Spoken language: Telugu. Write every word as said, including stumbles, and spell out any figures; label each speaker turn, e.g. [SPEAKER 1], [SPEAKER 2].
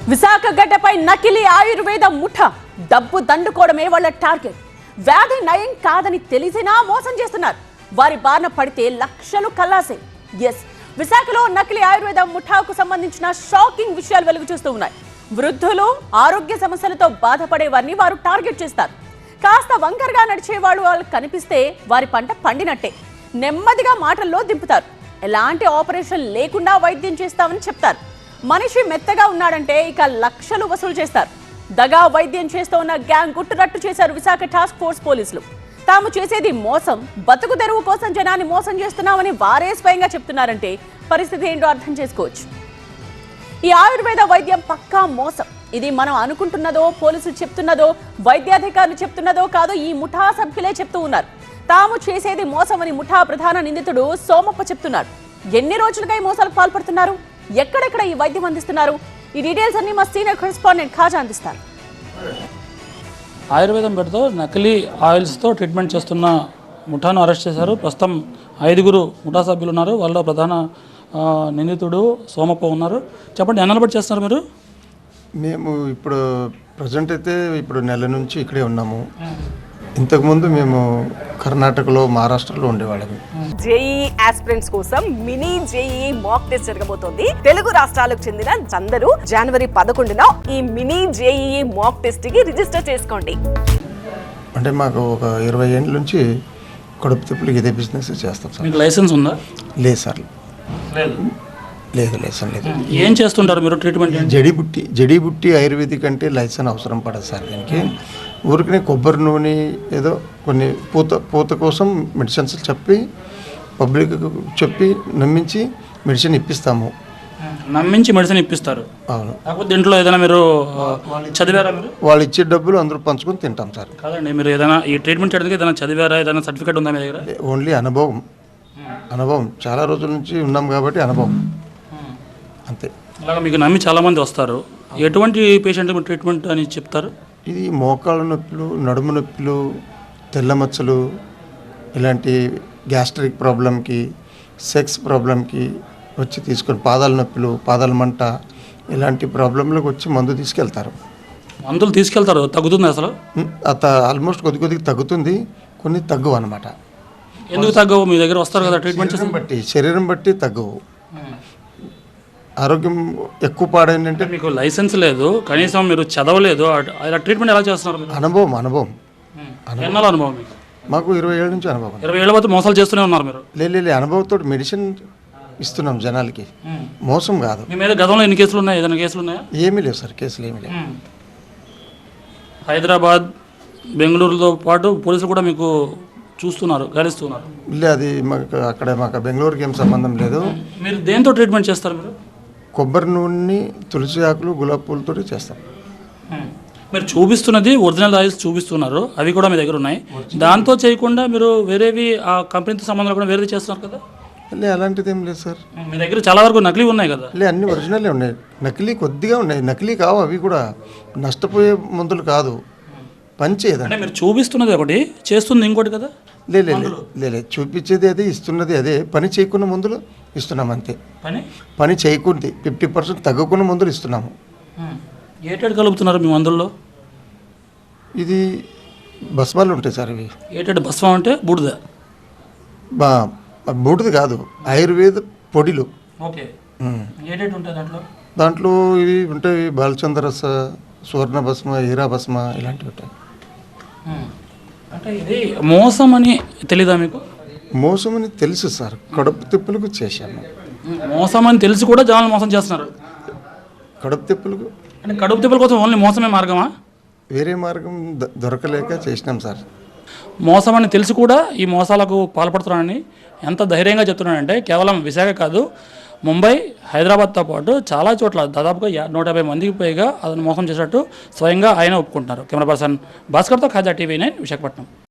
[SPEAKER 1] విశాఖ గడ్డపై నకిలీ ఆయుర్వేద ముఠ డబ్బు దండుకోవడమే వాళ్ళ టార్గెట్. వ్యాధి నయం కాదని తెలిసినా మోసం చేస్తున్నారు. వారి బారిన పడితే లక్షలు కల్లాసే. ఎస్, విశాఖలో నకిలీ ఆయుర్వేద ముఠాకు సంబంధించిన షాకింగ్ విషయాలు వెలుగు చూస్తూ ఉన్నాయి. వృద్ధులు, ఆరోగ్య సమస్యలతో బాధపడే వారిని వారు టార్గెట్ చేస్తారు. కాస్త వంకరగా నడిచే వాళ్ళు వాళ్ళకి కనిపిస్తే వారి పంట పండినట్టే. నెమ్మదిగా మాటల్లో దింపుతారు. ఎలాంటి ఆపరేషన్ లేకుండా వైద్యం చేస్తామని చెప్తారు. మనిషి మెత్తగా ఉన్నాడంటే ఇక లక్షలు వసూలు చేస్తారు. దగా వైద్యం చేస్తూ ఉన్న గ్యాంగ్ గుట్టురట్టు చేశారు విశాఖ టాస్క్ ఫోర్స్ పోలీసులు. తాము చేసేది మోసం, బతుకు తెరువు కోసం జనాన్ని మోసం చేస్తున్నామని వారే స్వయంగా చెప్తున్నారంటే పరిస్థితి ఏంటో అర్థం చేసుకోవచ్చు. ఈ ఆయుర్వేద వైద్యం పక్కా మోసం. ఇది మనం అనుకుంటున్నదో, పోలీసులు చెప్తున్నదో, వైద్యాధికారులు చెప్తున్నదో కాదో ఈ ముఠా సభ్యులే చెప్తూ ఉన్నారు. తాము చేసేది మోసం అని ముఠా ప్రధాన నిందితుడు సోమప్ప చెప్తున్నారు. ఎన్ని రోజులుగా ఈ మోసాలకు పాల్పడుతున్నారు, ఎక్కడెక్కడ ఈ వైద్యం అందిస్తున్నారు, ఈ డీటెయిల్స్ అన్ని మా సీనియర్ కరెస్పాండెంట్ ఖాజా అందిస్తారు.
[SPEAKER 2] ఆయుర్వేదం పేరుతో నకిలీ ఆయిల్స్తో ట్రీట్మెంట్ చేస్తున్న ముఠాను అరెస్ట్ చేశారు. ప్రస్తుతం ఐదుగురు ముఠా సభ్యులు ఉన్నారు. వాళ్ళలో ప్రధాన నిందితుడు సోమప్ప ఉన్నారు. చెప్పండి, ఎన్నాళ్ళు బట్టి చేస్తున్నారు మీరు?
[SPEAKER 3] మేము ఇప్పుడు ప్రజెంట్ అయితే ఇప్పుడు నెల నుంచి ఇక్కడే ఉన్నాము. ఇంతకుముందు మేము కర్ణాటకలో, మహారాష్ట్రలో ఉండేవాళ్ళము.
[SPEAKER 1] జేఈ ఆస్పిరెంట్స్ కోసం మినీ జేఈ మాక్ టెస్ట్ జరగబోతోంది. తెలుగు రాష్ట్రాలకు చెందిన అందరూ జనవరి పదకొండున ఈ మినీ జేఈ మాక్ టెస్ట్ కి రిజిస్టర్ చేసుకోండి.
[SPEAKER 3] అంటే మాకు ఒక ఇరవై ఏళ్ళ నుంచి కడుపు తిప్పులకి ఇదే బిజినెస్ చేస్తాం సార్.
[SPEAKER 2] మీకు లైసెన్స్ ఉందా?
[SPEAKER 3] లేదు సార్, లేదు లైసెన్స్ లేదు.
[SPEAKER 2] ఏం చేస్తుంటారు మీరు ట్రీట్మెంట్?
[SPEAKER 3] జడీబుట్టి జడీబుట్టి ఆయుర్వేదిక్ అంటే లైసెన్స్ అవసరం పడదు సార్. దీనికి ఊరికనే కొబ్బరి నూనె ఏదో కొన్ని పూత పూత కోసం మెడిసిన్స్ చెప్పి పబ్లిక్ చెప్పి నమ్మించి మెడిసిన్ ఇప్పిస్తాము.
[SPEAKER 2] నమ్మించి మెడిసిన్ ఇప్పిస్తారు? అవును. కాకపోతే ఇంట్లో ఏదైనా మీరు చదివారా? మీరు
[SPEAKER 3] వాళ్ళు ఇచ్చే డబ్బులు అందరూ పంచుకొని తింటాం సార్.
[SPEAKER 2] కాదండి, మీరు ఏదైనా ఈ ట్రీట్మెంట్ చేయడానికి ఏదైనా చదివారా? ఏదైనా సర్టిఫికేట్ ఉందా మీ దగ్గర?
[SPEAKER 3] ఓన్లీ అనుభవం అనుభవం చాలా రోజుల నుంచి ఉన్నాం కాబట్టి అనుభవం అంతే.
[SPEAKER 2] అలాగా మీకు నమ్మి చాలామంది వస్తారు. ఎటువంటి పేషెంట్ ట్రీట్మెంట్ అని చెప్తారు?
[SPEAKER 3] ఇది మోకాళ్ళ నొప్పులు, నడుము నొప్పులు, తెల్ల మచ్చలు, ఇలాంటి గ్యాస్ట్రిక్ ప్రాబ్లంకి, సెక్స్ ప్రాబ్లంకి వచ్చి తీసుకొని, పాదాల నొప్పులు, పాదాల మంట, ఇలాంటి ప్రాబ్లంలకు వచ్చి మందు తీసుకెళ్తారు.
[SPEAKER 2] మందులు తీసుకెళ్తారు? తగ్గుతుంది అసలు?
[SPEAKER 3] అత ఆల్మోస్ట్ కొద్ది కొద్దిగా తగ్గుతుంది, కొన్ని తగ్గవు అనమాట.
[SPEAKER 2] ఎందుకు తగ్గవు? మీ దగ్గర వస్తారు కదా ట్రీట్మెంట్ చేసి.
[SPEAKER 3] బట్టి శరీరం బట్టి తగ్గవు. ఆరోగ్యం ఎక్కువ పాడైందంటే
[SPEAKER 2] మీకు లైసెన్స్ లేదు, కనీసం మీరు చదవలేదు, అలా ట్రీట్మెంట్ ఎలా చేస్తున్నారు?
[SPEAKER 3] అనుభవం అనుభవం
[SPEAKER 2] ఎన్నాళ్ళ అనుభవం మీకు?
[SPEAKER 3] మాకు ఇరవై ఏళ్ళ నుంచి అనుభవం.
[SPEAKER 2] ఇరవై ఏళ్ళ బట్టి మోసాలు చేస్తూనే ఉన్నారు మీరు?
[SPEAKER 3] లేదు, అనుభవంతో మెడిసిన్ ఇస్తున్నాం జనాలకి, మోసం కాదు.
[SPEAKER 2] మీ మీద గతంలో ఎన్ని కేసులు ఉన్నాయి? ఏదైనా కేసులు ఉన్నాయా?
[SPEAKER 3] ఏమీ లేవు సార్, కేసులు ఏమీ లేవు.
[SPEAKER 2] హైదరాబాద్, బెంగళూరుతో పాటు పోలీసులు కూడా మీకు చూస్తున్నారు, గమనిస్తున్నారు?
[SPEAKER 3] లేదు, అది మాకు అక్కడ మాకు బెంగళూరుకి ఏం సంబంధం లేదు.
[SPEAKER 2] మీరు దేంతో ట్రీట్మెంట్ చేస్తారు? మీరు
[SPEAKER 3] కొబ్బరి నూనె, తులసి ఆకులు, గులాబీ పూలతో చేస్తాం.
[SPEAKER 2] మీరు చూపిస్తున్నది ఒరిజినల్ ఆయిల్స్ చూపిస్తున్నారు, అవి కూడా మీ దగ్గర ఉన్నాయి. దాంతో చేయకుండా మీరు వేరేవి ఆ కంపెనీతో సంబంధం కూడా వేరేది చేస్తున్నారు కదా?
[SPEAKER 3] లే, అలాంటిది ఏం లేదు సార్.
[SPEAKER 2] మీ దగ్గర చాలా వరకు నకిలీ ఉన్నాయి కదా?
[SPEAKER 3] లే, అన్ని ఒరిజినలే ఉన్నాయి. నకిలీ కొద్దిగా ఉన్నాయి. నకిలీ కావు, అవి కూడా నష్టపోయే మందులు కాదు, పనిచేయదు.
[SPEAKER 2] అంటే మీరు చూపిస్తున్నది ఒకటి, చేస్తుంది ఇంకోటి కదా?
[SPEAKER 3] లేదు లేదు, చూపించేది అదే, ఇస్తున్నది అదే. పని చేయకున్న మందులు ఇస్తున్నాము అంతే.
[SPEAKER 2] పని
[SPEAKER 3] పని చేయకుంది ఫిఫ్టీ పర్సెంట్ తగ్గకున్న మందులు ఇస్తున్నాము.
[SPEAKER 2] ఏటెడ్ కలుపుతున్నారు మీ మందుల్లో? ఇది
[SPEAKER 3] భస్మాలు ఉంటాయి సార్. ఇవి
[SPEAKER 2] ఏటెడ్ భస్మం అంటే బూడిద?
[SPEAKER 3] బా బూడిద కాదు, ఆయుర్వేద పొడిలు.
[SPEAKER 2] ఓకే. ఏటెడ్ ఉంటాయి దాంట్లో?
[SPEAKER 3] దాంట్లో ఇవి ఉంటాయి, బాలచంద్రరస, సువర్ణ భస్మ, హీరా భస్మ, ఇలాంటివి ఉంటాయి.
[SPEAKER 2] అంటే ఇది మోసం అని తెలీదా మీకు?
[SPEAKER 3] మోసం అని తెలుసు సార్, కడుపు తిప్పులకు చేశాను.
[SPEAKER 2] మోసం అని తెలిసి కూడా జనాలు మోసం చేస్తున్నారు.
[SPEAKER 3] కడుపు తిప్పులకు
[SPEAKER 2] అంటే కడుపు తిప్పుల కోసం ఓన్లీ మోసమే మార్గమా?
[SPEAKER 3] వేరే మార్గం దొరకలేక చేసినాం సార్.
[SPEAKER 2] మోసం అని తెలిసి కూడా ఈ మోసాలకు పాల్పడుతున్నానని ఎంత ధైర్యంగా చెప్తున్నానంటే, కేవలం విశాఖ కాదు, ముంబై, హైదరాబాద్తో పాటు చాలా చోట్ల దాదాపుగా నూట యాభై మందికి పైగా అతను మోసం చేసినట్టు స్వయంగా ఆయన ఒప్పుకుంటున్నారు. కెమెరా పర్సన్ భాస్కర్తో ఖాజా, టీవీ నైన్, విశాఖపట్నం.